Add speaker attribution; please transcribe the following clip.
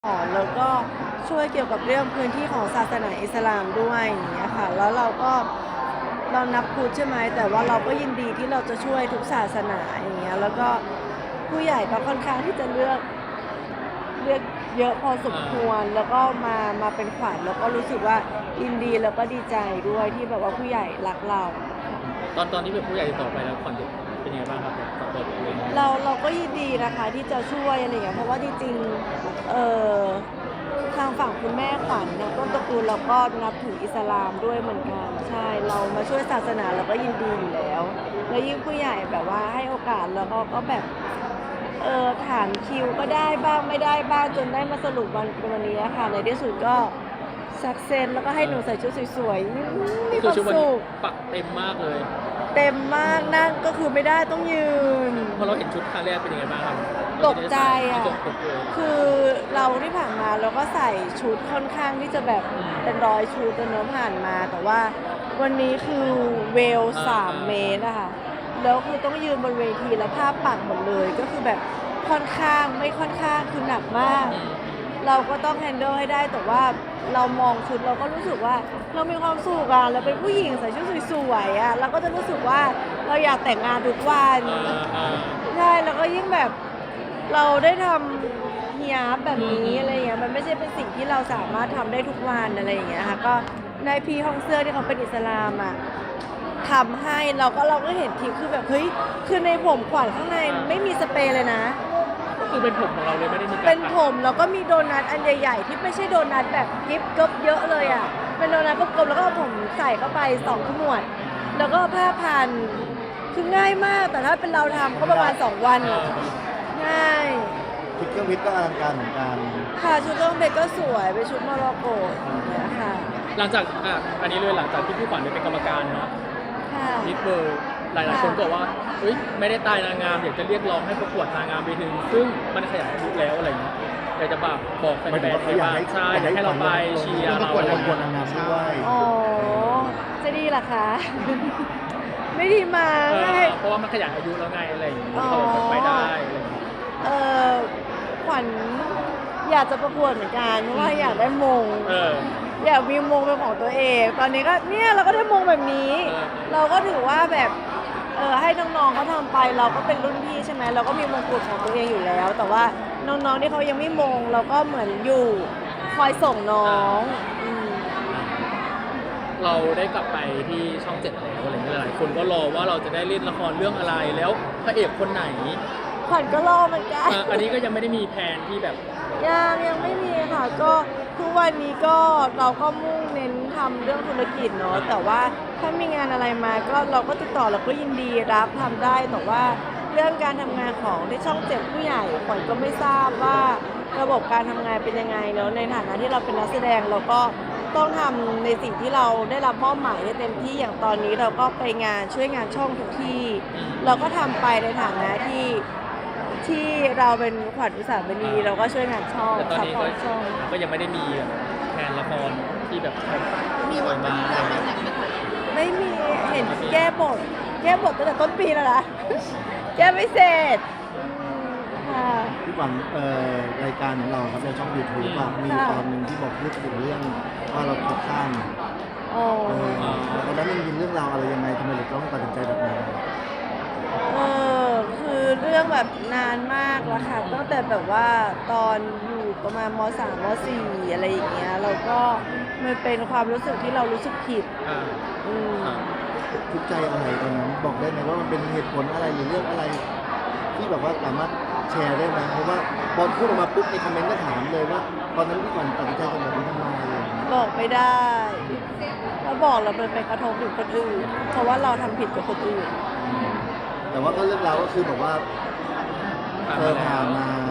Speaker 1: แล้วก็ช่วยเกี่ยวกับเรื่องพื้นที่ของศาสนาอิสลามด้วยอย่างเงี้ยค่ะแล้วเรานับพุทธใช่ไหมแต่ว่าเราก็ยินดีที่เราจะช่วยทุกศาสนาอย่างเงี้ยแล้วก็ผู้ใหญ่ก็ค่อนข้างที่จะเลือกเยอะพอสมควรแล้วก็มาเป็นขวัญแล้วก็รู้สึกว่ายินดีแล้วก็ดีใจด้วยที่แบบว่าผู้ใหญ่รักเรา
Speaker 2: ตอนที่เป็นผู้ใหญ่ติดต่อไปแล้วขวัญเป็นยังไงบ้างครับกับตัวเอง
Speaker 1: เราก็ยินดีนะคะที่จะช่วยอะไรอย่างเงี้ยเพราะว่าจริงๆทางฝั่งคุณแม่ขวัญนะต้นตระกูลเราก็นับถืออิสลามด้วยเหมือนกันใช่เรามาช่วยศาสนาเราก็ยินดีอยู่แล้วแล้วยิ่งผู้ใหญ่แบบว่าให้โอกาสแล้วก็แบบถามคิวก็ได้บ้างไม่ได้บ้างจนได้มาสรุปวันนี้ค่ะในที่สุดก็สักเซนแล้วก็ให้หนูใส่ชุดสวยๆมีค
Speaker 2: คือ
Speaker 1: วาม
Speaker 2: ชุดวัน
Speaker 1: สุ
Speaker 2: นี้
Speaker 1: ข
Speaker 2: ปักเต็มมากเลย
Speaker 1: เต็มมากนั่งก็คือไม่ได้ต้องยืน
Speaker 2: พอเราเห็นชุดครั้งแรกเป็นยังไงบ้างครับ
Speaker 1: ตกใจอ่ะ
Speaker 2: ตกเลย
Speaker 1: คือเราที่ผ่านมาเราก็ใส่ชุดค่อนข้างที่จะแบบเป็น100 ชุดเนอะผ่านมา แต่ว่าวันนี้คือเวล3 เมตรอะค่ะแล้วคือต้องยืนบนเวทีแล้วผ้าปักหมดเลยก็คือแบบค่อนข้างไม่ค่อนข้างคือหนักมาก เราก็ต้องแฮนเดิลให้ได้แต่ว่าเรามองชุดเราก็รู้สึกว่าเรามีความสุขอะเราเป็นผู้หญิงใส่ชุดสวยๆอะเราก็จะรู้สึกว่าเราอยากแต่งงานทุกวันใช่แล้วก็ยิ่งแบบเราได้ทำฮิญาบแบบนี้อะไรอย่างเงี้ยมันไม่ใช่เป็นสิ่งที่เราสามารถทำได้ทุกวันอะไรอย่างเงี้ยค่ะก็นายพี่ห้องเสื้อที่เขาเป็นอิสลามอะทำให้เราก็เห็นทีคือแบบเฮ้ยคือในผมขวัญข้างในไม่มีสเปรย์เลยนะ
Speaker 2: ก็คือเป็นผมของเราเลยไม่ได้มีการ
Speaker 1: เป็นผมแล้วก็มีโดนัทอันใหญ่ๆที่ไม่ใช่โดนัทแบบยิบกบเยอะเลยอ่ะเป็นโดนัทกลมๆแล้วก็เอาผมใส่เข้าไป2 ขมวดแล้วก็ผ้าพันคือง่ายมากแต่ถ้าเป็นเราทำก็ประมาณ2 วันอะง่าย
Speaker 3: ชุดเครื่องวิทย์ก็อลังการเหมือนกัน
Speaker 1: ค่ะชุดเครื่องเพชรก็สวยเป็นชุดโมร็อกโกอย่างเงี้ยค่ะ
Speaker 2: หลังจากอันนี้เลยหลังจากที่พี่ขวัญได้เป็นกรรมการเนาะ
Speaker 1: ค่ะ
Speaker 2: มิสเบอร์หลายๆคนก็บอกว่าเฮ้ยไม่ได้ตายนางงามอยากจะเรียกร้องให้ประกวดนางงามไปถึงซึ่งมันขยายอายุแล้วอะไรเงี้ยอยากจะบอกแฟนๆให้ว่าใช่อยากให้เราไปเชียร์
Speaker 3: ป
Speaker 2: เรา
Speaker 3: ระกวด
Speaker 2: อะไร
Speaker 3: ประกวด
Speaker 2: เงี้ย
Speaker 3: นางงามด้วย
Speaker 1: อ๋อจะดีเหรอคะ ไม่ดีมา
Speaker 2: เพราะว่ามันขยายอายุแล้วไงอะไรอย่างเงี้ย
Speaker 1: อ๋อ
Speaker 2: เขาไปได้อะไรอย่างเงี้ย
Speaker 1: เออขวัญอยากจะประกวดเหมือนกันเพราะว่าอยากได้มง อยากมีมงเป็นของตัวเอง ตอนนี้ก็เนี่ยเราก็ได้มงแบบนี้ เราก็ถือว่าแบบให้น้องๆเขาทำไปเราก็เป็นรุ่นพี่ใช่ไหมเราก็มีมงกุฎของตัวเองอยู่แล้ว แต่ว่าน้องๆที่เขายังไม่มงเราก็เหมือนอยู่คอยส่งน้องม
Speaker 2: เราได้กลับไปที่ช่องเจ็ดแล้วอะไรเงี้ยหลายคนก็รอว่าเราจะได้เล่นละครเรื่องอะไรแล้วพระเอกคนไหน
Speaker 1: ขวัญก็รอเหมือนกัน
Speaker 2: อันนี้ก็ยังไม่ได้มีแผนที่แบบ
Speaker 1: ยังไม่มีค่ะก็ทุกวันนี้ก็เราก็มุ่งเน้นทำเรื่องธุรกิจเนาะแต่ว่าถ้ามีงานอะไรมาก็เราก็ติดต่อเราก็ยินดีรับทำได้แต่ว่าเรื่องการทำงานของที่ช่องเจ็ดผู้ใหญ่ขวัญก็ไม่ทราบว่าระบบการทำงานเป็นยังไงเนาะในฐานะที่เราเป็นนักแสดงเราก็ต้องทำในสิ่งที่เราได้รับมอบหมายให้เต็มที่อย่างตอนนี้เราก็ไปงานช่วยงานช่องทุกที่ เราก็ทำไปในฐานะที่เราเป็นขวัญอุตสาหมณีเราก็ช่วยงานช่อง
Speaker 2: แต่ตอน
Speaker 1: ซัพ
Speaker 2: นี้
Speaker 1: พอร์ตช่อง
Speaker 2: ก็ยังไม่ได้มีแบบแผนละครที่แบบมีวันมา
Speaker 1: ไม่มีเห็นแก้บทตั้งแต่ต้นปีแล้วนะ แก้ไม่เสร็จค่ะ
Speaker 3: พี่ขวัญรายการของเราครับในช่อง YouTube อะมีตอนหนึ่งที่บอกพูดถึงเรื่องว่าเราถูกข้าม
Speaker 1: อ๋อ
Speaker 3: ตอนนั้นมันมีเรื่องราวอะไรยังไงทำไมถึงต้องตัดสินใจแบบนั้น
Speaker 1: คือเรื่องแบบนานมากแล้วค่ะตั้งแต่แบบว่าตอนอยู่ประมาณม.3 ม.4 อะไรอย่างเงี้ยเราก็มันเป็นความรู้สึกที่เรารู้สึกผิด อืม
Speaker 3: ทุกข์ใจอะไรตอนนั้นบอกได้ไหมว่ามันเป็นเหตุผลอะไรหรือเรื่องอะไร ที่แบบว่าสามารถแชร์ได้ไหมเพราะว่าพอพูดออกมาปุ๊บในคอมเมนต์ก็ถามเลยว่า ตอนนั้นพี่ขวัญตัดสินใจทำแบบนี้ทำไมอะไรอย่างเงี้ย
Speaker 1: บอกไม่ได้ถ้าบอกเราเป็นไปกระทบถึงคนอื่นเพราะว่าเราทำผิดกับคนอื่น
Speaker 3: แต่ว่าก็เรื่องราวก็คือแบบว่าผ่านมา